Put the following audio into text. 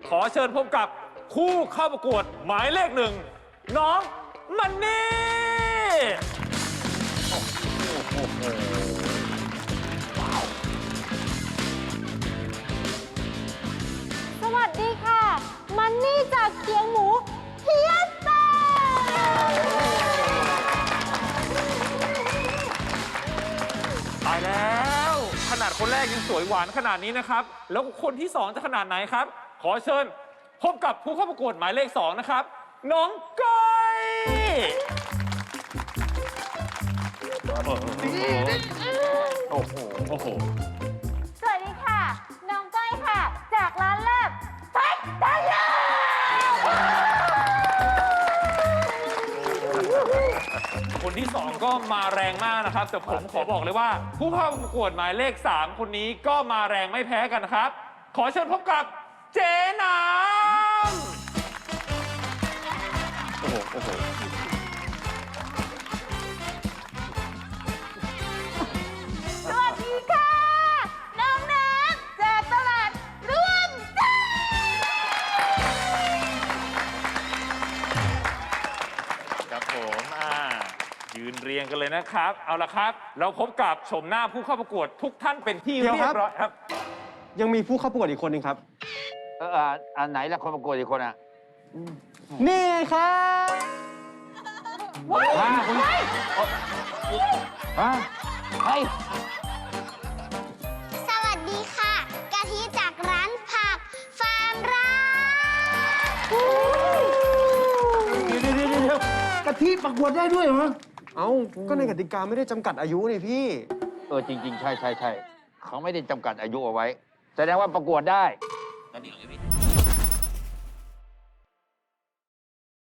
ขอเชิญพบกับคู่เข้าประกวดหมายเลข 1 น้องมันนี่สวัสดีค่ะ มันนี่จากเคียงหมูเฮียสาตายแล้วขนาดคนแรกยังสวยหวานขนาดนี้นะครับ แล้วคนที่ 2 จะขนาดไหนครับ ขอเชิญพบกับผู้เข้าประกวดหมายเลข 2 นะครับ น้องก้อยโอ้โหโอ้โหสวัสดีค่ะ น้องก้อยค่ะ จากร้านแลบไทยไทยแลบคนที่ 2 ก็มาแรงมากนะครับ แต่ผมขอบอกเลยว่า ผู้เข้าประกวดหมายเลข 3 คนนี้ก็มาแรงไม่แพ้กันนะครับ ขอเชิญพบกับเจ๊น้ำโอ้โหโอ้โหสวัสดีค่ะ น้องน้ำจากตลาดร่วมใจครับผมยืนเรียงกันเลยนะครับ เอาละครับ เราพบกับชมหน้าผู้เข้าประกวดทุกท่านเป็นที่เดี๋ยวเรีคยรับบร้อยครับยังมีผู้เข้าประกวดอีกคนหนึ่งครับอันไหนล่ะคนประกวดอีกคนอ่ะนี่ไงครับว้ายว้ายฮะเฮ้ยสวัสดีค่ะ กะทิจากร้านผักฟาร์มรักเดี๋ยวกะทิประกวดได้ด้วยเหรอ เอ้า ก็ในกติกาไม่ได้จำกัดอายุนี่พี่จริง ๆ ใช่เขาไม่ได้จำกัดอายุเอาไว้ แสดงว่าประกวดได้ตอนนี้ของ